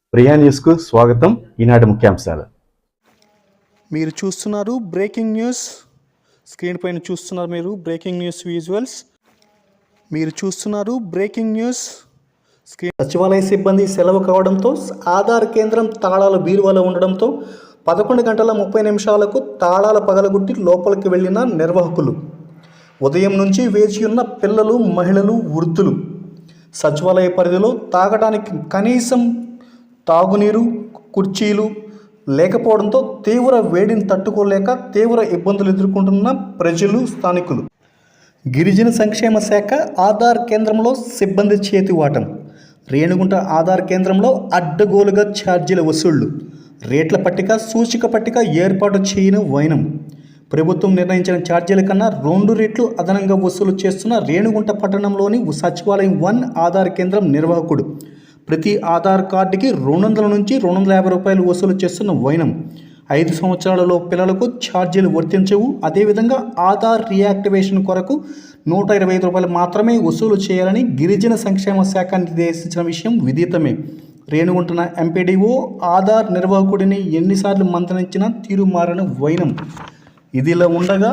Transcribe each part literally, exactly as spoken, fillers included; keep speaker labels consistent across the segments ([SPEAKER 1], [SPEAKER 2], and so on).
[SPEAKER 1] ప్రియా న్యూస్కు స్వాగతం. ఈనాటి ముఖ్యాంశాలు.
[SPEAKER 2] మీరు చూస్తున్నారు బ్రేకింగ్ న్యూస్. స్క్రీన్ పైన చూస్తున్నారు మీరు బ్రేకింగ్ న్యూస్ విజువల్స్. మీరు చూస్తున్నారు బ్రేకింగ్ న్యూస్ స్క్రీన్. సచివాలయ సిబ్బంది సెలవు కావడంతో ఆధార్ కేంద్రం తాళాలు బీరువాలో ఉండడంతో పదకొండు గంటల ముప్పై నిమిషాలకు తాళాలు పగలగొట్టి లోపలికి వెళ్ళిన నిర్వాహకులు. ఉదయం నుంచి వేచి ఉన్న పిల్లలు, మహిళలు, వృద్ధులు. సచివాలయ పరిధిలో తాగడానికి కనీసం తాగునీరు, కుర్చీలు లేకపోవడంతో తీవ్ర వేడిని తట్టుకోలేక తీవ్ర ఇబ్బందులు ఎదుర్కొంటున్న ప్రజలు, స్థానికులు. గిరిజన సంక్షేమ శాఖ ఆధార్ కేంద్రంలో సిబ్బంది చేతివాటం. రేణిగుంట ఆధార్ కేంద్రంలో అడ్డగోలుగా ఛార్జీల వసూళ్లు. రేట్ల పట్టిక, సూచిక పట్టిక ఏర్పాటు చేయని వైనం. ప్రభుత్వం నిర్ణయించిన ఛార్జీల కన్నా రెండు రెట్లు అదనంగా వసూలు చేస్తున్న రేణిగుంట పట్టణంలోని సచివాలయం వన్ ఆధార్ కేంద్రం నిర్వాహకుడు. ప్రతి ఆధార్ కార్డుకి రెండు వందల నుంచి రెండు వందల యాభై రూపాయలు వసూలు చేస్తున్న వైనం. ఐదు సంవత్సరాలలో పిల్లలకు ఛార్జీలు వర్తించవు. అదేవిధంగా ఆధార్ రియాక్టివేషన్ కొరకు నూట ఇరవై ఐదు రూపాయలు మాత్రమే వసూలు చేయాలని గిరిజన సంక్షేమ శాఖ నిర్దేశించిన విషయం విదితమే. రేణిగుంటున్న ఎంపీడీఓ ఆధార్ నిర్వాహకుడిని ఎన్నిసార్లు మంత్రించినా తీరు మారని వైనం. ఇదిలా ఉండగా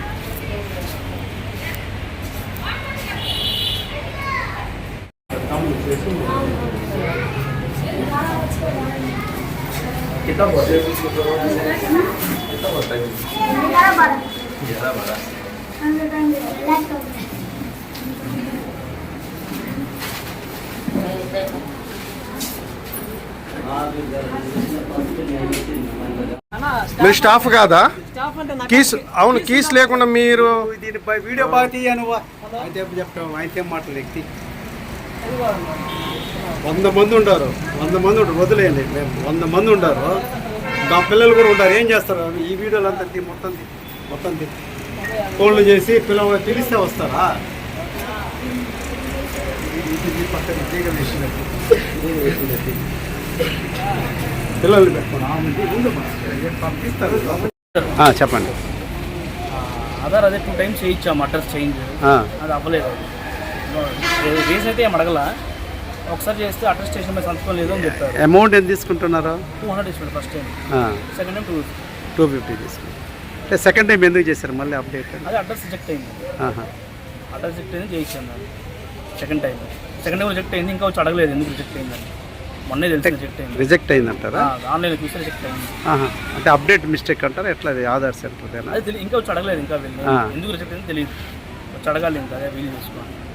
[SPEAKER 3] మీరు స్టాఫ్ కాదా? కీస్ అవును, కీస్ లేకుండా మీరు
[SPEAKER 4] దీనిపై వీడియో బాగా తీయను. అయితే చెప్తాం, అయితే మాటలు ఎక్కి వంద మంది ఉంటారు వంద మంది ఉంటారు వదిలేయండి. మేము వంద మంది ఉంటారు, మా పిల్లలు కూడా ఉంటారు. ఏం చేస్తారు? ఈ వీడియోలు అంతా తీ మొత్తం తీ మొత్తం తీ ఫోన్లు చేసి పిల్లలు పిలిస్తే వస్తారా? పక్కన పిల్లలు పంపిస్తారు.
[SPEAKER 3] చెప్పండి.
[SPEAKER 5] ఆధార్ అదే టూ టైమ్స్ చేయించాము అడ్రస్ చేంజ్, అది అవ్వలేదు. రీజన్ అయితే ఏం అడగల. ఒకసారి చేస్తే అడ్రస్ స్టేషన్ మీద సంతకం లేదు అని చెప్తారు.
[SPEAKER 3] అమౌంట్ ఎంత తీసుకుంటున్నారు?
[SPEAKER 5] టూ హండ్రెడ్ తీసుకుంటారు first time, second time two
[SPEAKER 3] two fifty తీసుకుంటారు. సెకండ్ టైం ఎందుకు చేశారు మళ్ళీ అప్డేట్?
[SPEAKER 5] అదే అడ్రస్ రిజెక్ట్ అయింది. అడ్రస్ రిజెక్ట్ అయింది చేయించాను దాన్ని second time. Second time reject అయింది, ఇంకా వచ్చి అడగలేదు ఎందుకు రిజెక్ట్ అయిందని. మొన్నే తెలిసి రిజెక్ట్ అయింది.
[SPEAKER 3] రిజెక్ట్ అయిందంటారా?
[SPEAKER 5] ఆన్లైన్లో చూస్తే రిజెక్ట్ అయింది.
[SPEAKER 3] అంటే అప్డేట్ మిస్టేక్ అంటారా ఎట్లా? అది ఆధార్ సెంటర్
[SPEAKER 5] అదే ఇంకా వచ్చి అడగలేదు, ఇంకా వెళ్ళి ఎందుకు రిజెక్ట్ అయింది తెలియదు. వచ్చి అడగాలి, ఇంకా అదే వీలు చేసుకోండి.